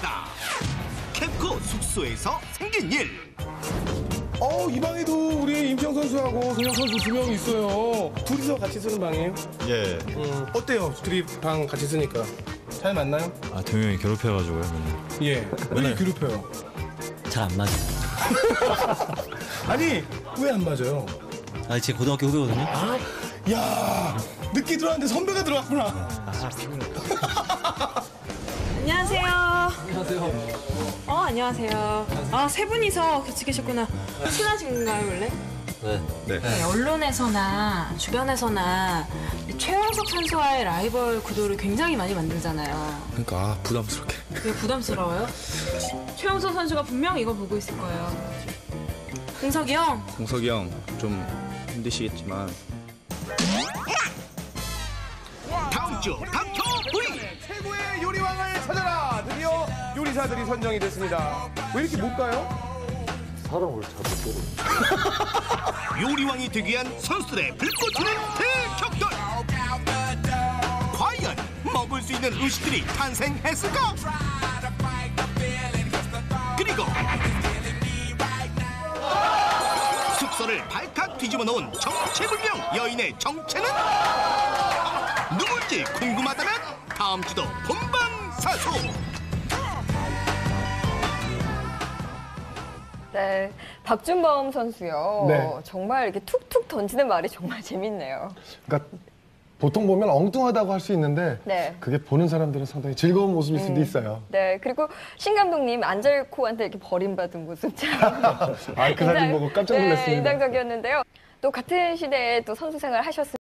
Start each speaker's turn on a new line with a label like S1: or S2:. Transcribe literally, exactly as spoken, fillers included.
S1: 시작합니다. 캡코 숙소에서 생긴 일.
S2: 어, 이 방에도 우리 임평 선수하고 송영 선수 두 명 있어요. 둘이서 같이 쓰는 방이에요?
S3: 예.
S2: 음, 어때요? 둘이 방 같이 쓰니까. 잘 맞나요?
S3: 아, 동영이 괴롭혀가지고요, 맨날.
S2: 예. 왜 괴롭혀요?
S4: 잘 안 맞아요.
S2: 아니, 왜 안 맞아요?
S4: 아, 제 고등학교 후배거든요.
S2: 아, 야, 늦게 들어왔는데 선배가 들어왔구나.
S5: 안녕하세요. 안녕하세요. 어, 안녕하세요. 아, 세 분이서 같이 계셨구나. 친하신가요, 원래?
S4: 네.
S3: 네.
S5: 네, 언론에서나 주변에서나 이 최원석 선수와의 라이벌 구도를 굉장히 많이 만들잖아요.
S2: 그러니까 아, 부담스럽게.
S5: 왜 부담스러워요? 최원석 선수가 분명 이거 보고 있을 거예요. 공석이 형,
S6: 공석이 형 좀 힘드시겠지만
S1: 다음 주 닥터 V.
S2: 최고의 요리왕을 찾아라. 드디어 요리사들이 선정이 됐습니다. 왜 이렇게 못 가요?
S1: 요리왕이 되기 위한 선수들의 불꽃 튀는 대격돌. 과연 먹을 수 있는 음식들이 탄생했을까? 그리고 숙소를 발칵 뒤집어 놓은 정체불명 여인의 정체는 누굴지 궁금하다면 다음 주도 본방사수.
S7: 네, 박준범 선수요.
S8: 네.
S7: 정말 이렇게 툭툭 던지는 말이 정말 재밌네요.
S8: 그러니까 보통 보면 엉뚱하다고 할 수 있는데
S7: 네.
S8: 그게 보는 사람들은 상당히 즐거운 모습일 수도 있어요.
S7: 네, 그리고 신 감독님 안젤코한테 이렇게 버림받은 모습 참.
S8: 아, 그 사진 보고 깜짝
S7: 네,
S8: 놀랐습니다.
S7: 인상적이었는데요. 또 같은 시대에 또 선수 생활 하셨을